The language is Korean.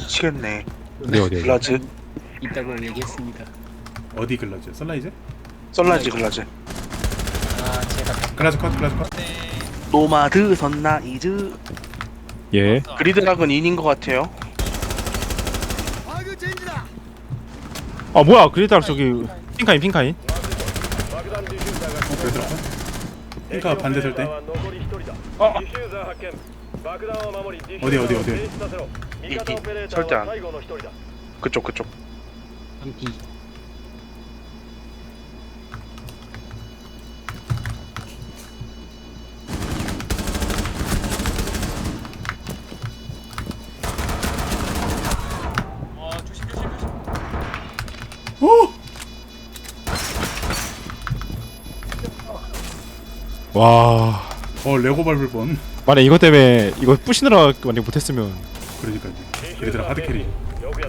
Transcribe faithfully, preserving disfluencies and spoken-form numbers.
미치겠네. 어디 어디 어디? 글라즈, 있다고 얘기했습니다. 어디 글라즈? 썰라이즈? 썰라지 글라즈. 아 제가 글라즈 컷 글라즈 컷. 노마드 선나이즈. 예. 그리드락은 인인 것 같아요. 아 뭐야 그리다 저기 핑카인 핑카인. 어 그래서 핑카 반대 설때. 어. 어디 어디 어디. 이, 이 절대 안. 그쪽 그쪽. 한기 오! 와. 어 레고 밟을 뻔. 만약 이것 때문에 이거 부시느라 만약 못했으면. 그러니까요. 얘들아 하드 캐리.